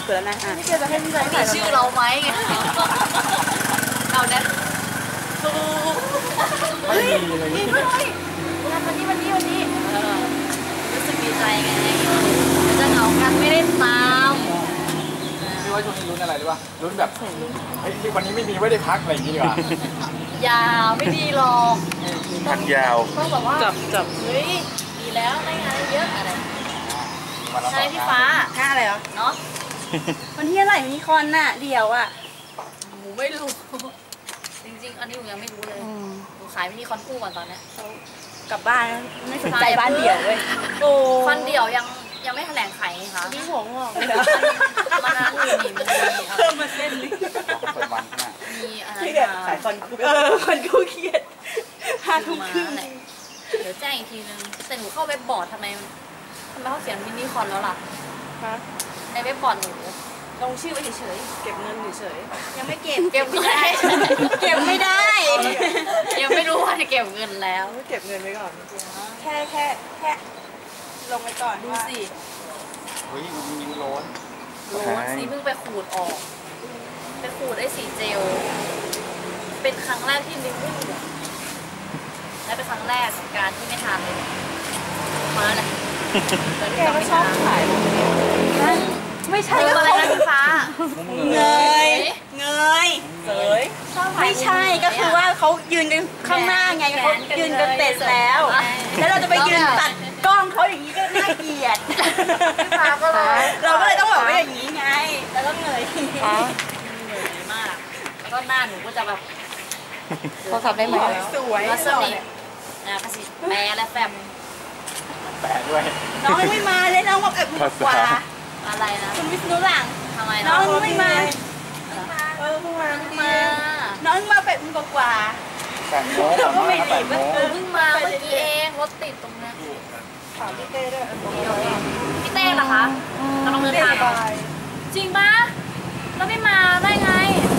ดแล้วนะพี่เกจะให้พี่ใจมีชื่อเราไหมไงเอาเนี่ยไม่มีเลยนี่ด้วยวันนี้รู้สึกดีใจไงจะเหงากันไม่ได้ตามพี่ว่าช่วงนี้ลุ้นอะไรหรือเปล่าลุ้นแบบเฮ้ยวันนี้ไม่มีไว้ได้พักอะไรอย่างงี้ดีกว่าอย่าไม่ดีหรอกพักยาวต้องแบบว่าจับเฮ้ยดีแล้วได้งานเยอะอะไรใช่พี่ฟ้าค่าอะไรเหรอเนาะวันที่อะไรมีคอนน่ะเดี๋ยวอ่ะหนูไม่รู้จริงๆอันนี้หนูยังไม่รู้เลยหนูขายมินิคอนคู่ก่อนตอนนี้กลับบ้านไม่สนใจบ้านเดี่ยวเลยคอนเดี่ยวยังไม่แถลงขายค่ะพี่หัวงอกเลยมันนั้นมีเพิ่มมาเส้นนึงมีอะไรขายคอนคู่เครียด5 ทุ่มครึ่งเดี๋ยวแจ้งอีกทีนึงแต่หนูเข้าเว็บบอร์ดทำไมเขาเขียนมินิคอนแล้วล่ะในเว็บบอร์ดหนูลงชื่อไว้เฉยเก็บเงินเฉยยังไม่เก็บไม่ได้ยังไม่รู้ว่าจะเก็บเงินแล้วเก็บเงินไว้ก่อนแค่ลงไปก่อนดูสิเฮ้ยมันมีร้อนสีเพิ่งไปขูดออกไปขูดได้สีเจลเป็นครั้งแรกที่ลิ้นไม่มีและเป็นครั้งแรกการที่ไม่ทานเลยมาเลยแกก็ชอบขายไม่ใช่อะไรนะพี่ฟ้าเงยไม่ใช่ก็คือว่าเขายืนกันข้างหน้าไงเขายืนกันเตะแล้วเราจะไปยืนตัดกล้องเขาอย่างนี้ก็น่าเกลียดเราก็เลยต้องบอกว่าอย่างนี้ไงแล้วก็เงยมากแล้วก็หน้าหนูก็จะแบบเขาทำได้ไหมสวยสนิทนะกระสิแปะและแฟมแปะด้วยน้องไม่มาเลยน้องบอกมือกว่าอะไรนะคุณวิษณุหลังทำไมน้องไม่มาเพิ่งมาน้องมาเป็ดมือกว่าเราก็ไม่ดีเพิ่งมาเมื่อกี้เองรถติดตรงนี้ถามพี่เต้ด้วยพี่เต้เหรอคะกำลังเดินทางจริงปะแล้วไม่มาได้ไง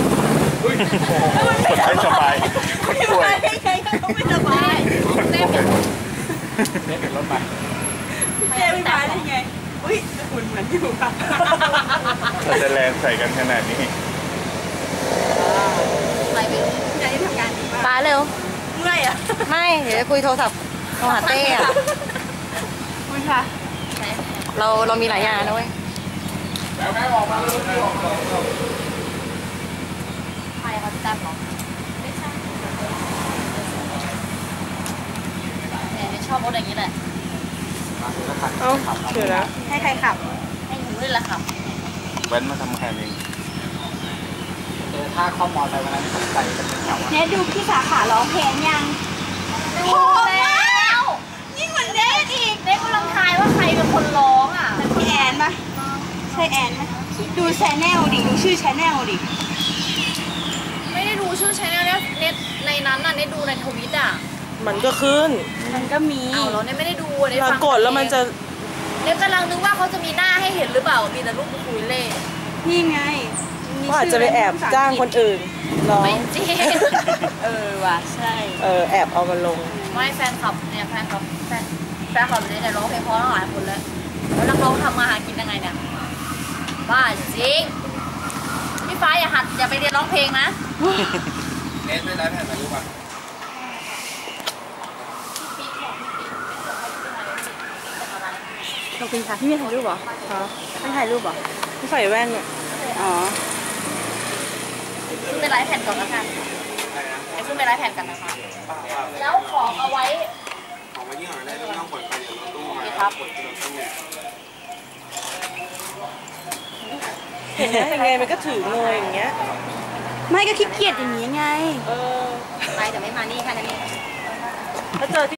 ไม่สบายคนป่วยได้ไงเขาไม่สบายเต้เป็นรถไปเต้ไม่มาได้ไงอุ้ยหุ่นเหมือนอยู่ค่ะเราจะแรงใส่กันขนาดนี้ไปไปใจทำงานดีมากป้าเร็วเมื่อยอ่ะไม่เดี๋ยวคุยโทรศัพท์โทรหาเต้อะคุยค่ะเรามีหลายอย่างนะเว้ยแล้วแม่ออกมาเลยใครเขาจะจับหรอไม่ใช่เนี่ยชอบรถอย่างนี้แหละเอ้าเดี๋ยวนะให้ใครขับให้หนูด้วยแหละขับเว้นมาทำแค่นี้ถ้าเข้ามอไซค์วันนั้นใส่กันเป็นแถวเนี่ยดูพี่สาขาร้องเพลงยังโอ้แล้วยิ่งเหมือนเด็กอีกเด็กกำลังทายว่าใครเป็นคนร้องอ่ะเป็นพี่แอนปะใช่แอนไหมดูแชนแนลดิดูชื่อแชนแนลดิไม่ได้ดูชื่อแชนแนลเนี่ยในนั้นน่ะได้ดูในทวิตอ่ะมันก็ขึ้นมันก็มีเอาเราเนี่ยไม่ได้ดูเรากดแล้วมันจะเนี่ยกำลังนึกว่าเขาจะมีหน้าให้เห็นหรือเปล่ามีแต่รูปคุยเล่นี่ไงว่าอาจจะไปแอบจ้างคนอื่นร้องไม่จริงว่ะใช่แอบเอามาลงไม่แฟนคลับเนี่ยแฟนคลับเนี่ยร้องเพลงเพราะหลายคนแล้วนักร้องทำมาหากินยังไงเนี่ยบ้าจริงพี่ฟ้าอย่าไปเรียนร้องเพลงนะเน้นไม่ได้แผ่นมารู้ป่ะขอบคุณค่ะพี่มีถ่ายรูปเหรอไม่ถ่ายรูปเหรอไม่ใส่แว่นเนี่ยอ๋อขึ้นไปไลฟ์แผ่นก่อนแล้วกันขึ้นไปไลฟ์แผ่นกันนะคะแล้วของเอาไว้ที่หาได้ต้องเปิดไฟเดี๋ยวรถตู้มาครับเห็นไหมยังไงมันก็ถือเงยอย่างเงี้ยไม่ก็ขี้เกียจอย่างนี้ไงไปแต่ไม่มานี่ค่ะนั่นเองแล้วเจอ